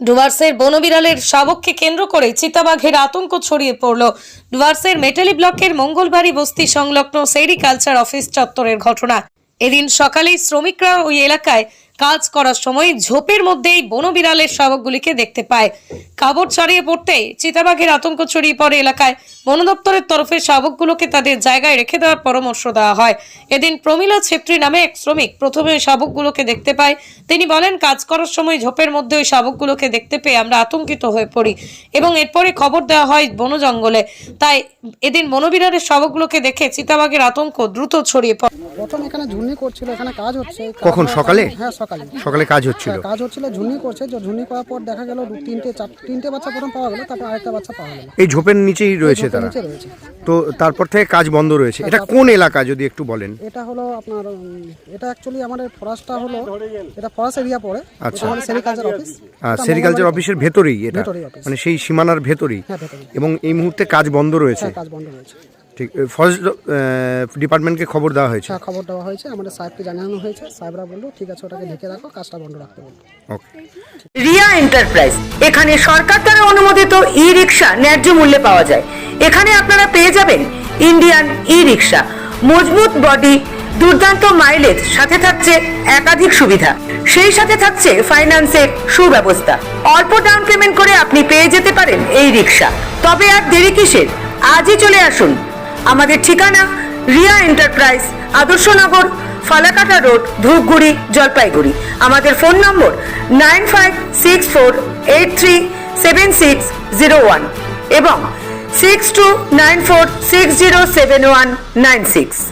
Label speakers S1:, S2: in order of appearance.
S1: ডুয়ার্সের বনবিড়ালের শাবককে কেন্দ্র করে চিতাবাঘের আতঙ্ক ছড়িয়ে পড়ল। ডুয়ার্সের মেটালি ব্লকের মঙ্গলবাড়ি বস্তি সংলগ্ন সেরিকালচার অফিস চত্বরের ঘটনা। এদিন সকালেই শ্রমিকরা ওই এলাকায় কাজ করার সময় ঝোপের মধ্যেই বনবিড়ালের শাবকগুলিকে দেখতে পায়। খবর ছড়িয়ে পড়তেই চিতাবাঘের আতঙ্ক ছড়িয়ে পড়ে এলাকায়। বন দপ্তরের তরফে শাবকগুলোকে তাদের জায়গায় রেখে দেওয়ার পরামর্শ দেওয়া হয়। এদিন প্রমীলা ছেত্রী নামে এক শ্রমিক প্রথমে ওই শাবকগুলোকে দেখতে পায়। তিনি বলেন, কাজ করার সময় ঝোপের মধ্যে ওই শাবকগুলোকে দেখতে পেয়ে আমরা আতঙ্কিত হয়ে পড়ি এবং এরপরে খবর দেওয়া হয় বন জঙ্গলে। তাই এদিন বনবিড়ালের শাবকগুলোকে দেখে চিতাবাঘের আতঙ্ক দ্রুত ছড়িয়ে পড়ে।
S2: প্রথম এখানে ঝুনি করছিল, এখানে কাজ হচ্ছে।
S3: কখন? সকালে?
S2: হ্যাঁ, সকালে
S3: কাজ হচ্ছিল।
S2: কাজ হচ্ছিল, ঝুনি করছে। ঝুনি করার পর দেখা গেল তিনটে বাচ্চা প্রথম পাওয়া গেল, তারপর আরেকটা বাচ্চা পাওয়া গেল।
S3: এই ঝোপের নিচেই রয়েছে তারা? তো তারপর থেকে কাজ বন্ধ রয়েছে। এটা কোন এলাকা যদি একটু বলেন?
S2: এটা হলো আপনার, এটা অ্যাকচুয়ালি আমাদের ফরেস্টটা হলো, এটা ফরেস্ট এরিয়া পড়ে।
S3: আচ্ছা,
S2: সেরিকালচার অফিস।
S3: সেরিকালচার অফিসের ভেতরেই এটা, মানে সেই সীমানার ভেতরেই। এবং এই মুহূর্তে কাজ বন্ধ রয়েছে।
S2: কাজ বন্ধ রয়েছে।
S3: ঠিক, ফরেস্ট ডিপার্টমেন্টকে খবর দেওয়া হয়েছে?
S2: হ্যাঁ, খবর দেওয়া হয়েছে, আমাদের সাহেবকে জানানো হয়েছে। সাহেবরা বললো ঠিক আছে, ওটাকে ঢেকে রাখো, কাজটা বন্ধ রাখতে বললো।
S3: ওকে।
S4: রিয়া এন্টারপ্রাইজ, এখানে সরকার দ্বারা অনুমোদিত ই রিক্সা ন্যায্য মূল্যে পাওয়া যায়। এখানে আপনারা পেয়ে যাবেন ইন্ডিয়ান ই রিক্সা, মজবুত বডি, দুর্দান্ত মাইলেজ, সাথে থাকছে একাধিক সুবিধা। সেই সাথে থাকছে ফাইন্যান্সের সুব্যবস্থা। অল্প ডাউন পেমেন্ট করে আপনি পেয়ে যেতে পারেন এই রিক্সা। তবে আর দেরি কিসের? আজই চলে আসুন। আমাদের ঠিকানা রিয়া এন্টারপ্রাইজ, আদর্শনগর, ফালাকাটা রোড, ধূপগুড়ি, জলপাইগুড়ি। আমাদের ফোন নম্বর 9564837601 এবং 6294607196।